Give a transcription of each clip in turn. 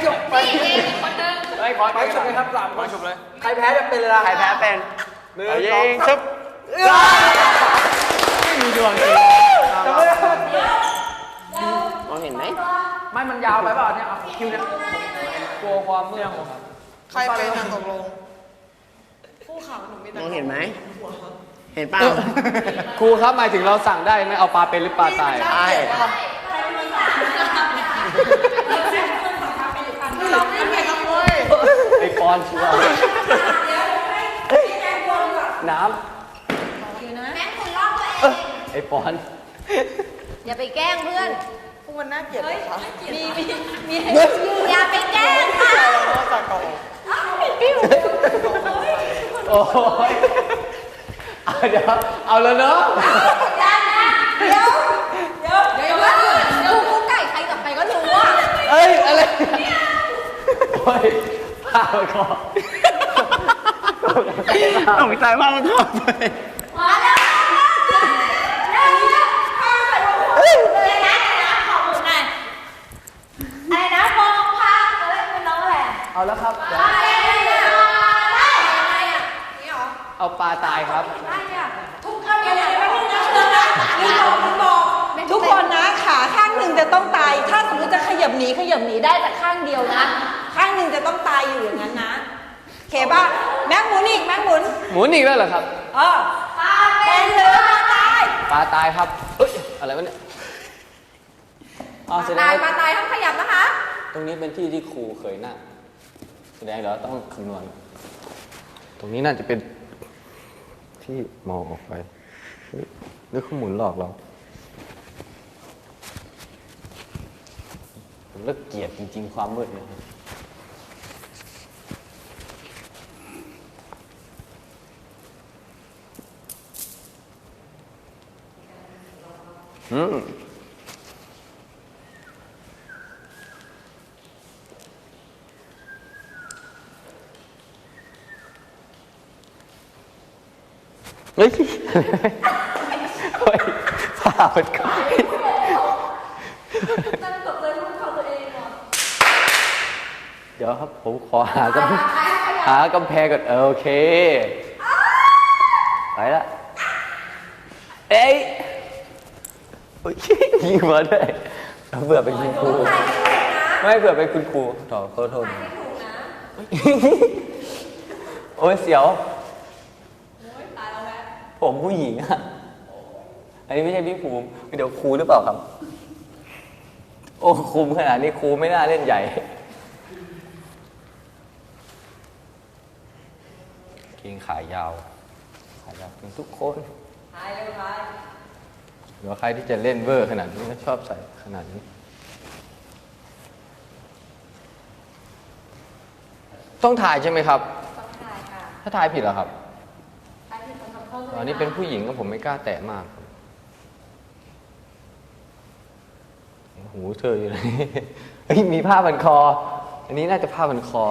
จบไปคนนึงไปจบเลยครับ3 คนจบเลยใครแพ้จะเป็นอะไรใครแพ้เป็นยิงซึบไม่มีดวงจริงมองเห็นไหมไม่มันยาวไปเปล่าเนี่ยคิวเนี่ยกลัวความมืดใครเป็นตกลงผู้ข่าวหนูมีแต่มองเห็นไหมเห็นเปล่าครูครับหมายถึงเราสั่งได้ไหมเอาปลาเป็นหรือปลาตายใช่ไอปอนชัวร์น้ำแม่งคุณลอกตัวเองไอปอนอย่าไปแกล้งเพื่อนพวกมันน่าเกลียดเลยค่ะมีอย่าไปแกล้งค่ะโอ้ยเดี๋ยวเอาแล้วเนาะเดี๋ยวกูไก่ใครกับใครก็รู้อ่ะเอ้ยอะไรโอ้ยพาไปก่อนต้องใจว่ามันเข้าไปมาแล้วอะไรนะมองพาอะไรเป็นน้องอะไรเอาแล้วครับเอาปลาตายครับทุกคนทุกคนนะขาข้างหนึ่งจะต้องตายถ้าสมมติจะขยับหนีได้แต่ข้างเดียวนะข้างหนึ่งจะต้องตายอยู่อย่างนั้นนะโอเคป่ะแม่งหมุนอีกหมุนอีกแล้วเหรอครับปลาเป็นหรือปลาตายปลาตายครับเอ้ยอะไรวะเนี่ยปลาตายต้องขยับนะคะตรงนี้เป็นที่ที่ครูเคยนั่งแสดงเดี๋ยวต้องคำนวณตรงนี้น่าจะเป็นที่มองออกไปนึกข้อมูลหลอกเราผมเลิกเกลียดจริงๆความมืดเนี่ยเฮ้ยผ่ามันก่อนเดี๋ยวครับผมขอหากำแพงก่อนโอเคไปละเอ้ยยิงมาด้วยเบื่อเป็นคุณครูไม่เบื่อเป็นคุณครูขอโทษโอ้ยเสียวผมผู้หญิงอ่ะอันนี้ไม่ใช่พี่ภูมิเดี๋ยวครูหรือเปล่าครับโอ้คุมขนาดนี้ครูไม่น่าเล่นใหญ่เกงขายาวเป็นทุกคนหรือว่าใครที่จะเล่นเวอร์ขนาดนี้ก็ชอบใส่ขนาดนี้ต้องถ่ายใช่ไหมครับต้องถ่ายค่ะถ้าถ่ายผิดเหรอครับอันนี้เป็นผู้หญิงก็ผมไม่กล้าแตะมากหูเธออยู่ไหนมีผ้าพันคออันนี้น่าจะผ้าพันคอ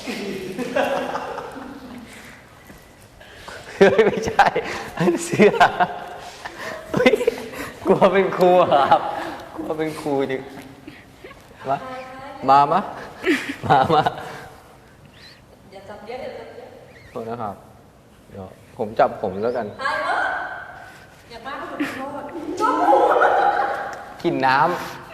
ไม่ใช่เสื้อกลัวเป็นครูครับกลัวเป็นครูดิมาอย่าจับเยอะโทษนะครับเดี๋ยวผมจับผมแล้วกันอย่าบ้าขอโทษกินน้ำ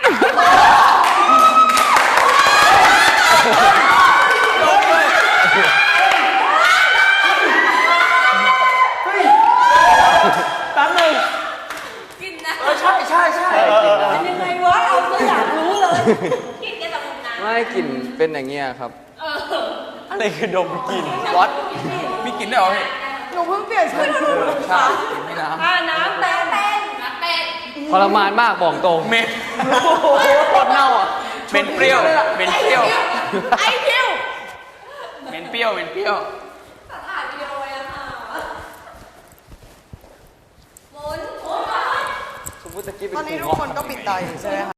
แป๊บนึงกินน้ำใช่เป็นยังไงวะเราก็อยากรู้เลยกินแค่แต่น้ำไม่กลิ่นเป็นอย่างเงี้ยครับอะไรคือดมกลิ่นวัดมีกลิ่นได้หรอพี่หนูเพิ่งเปลี่ยนชุดใช่ไม่น้ำน้ำเป็นทรมานมากบอกตรงเม็ดโคตรเน่าอ่ะเป็นเปรี้ยวไอคิวเป็นเปรี้ยวถ่ายวิดีโอไว้แล้วค่ะหมุนสมมติตะกี้เป็นตอนนี้ทุกคนก็ปิดตาอยู่ใช่ไหมคะ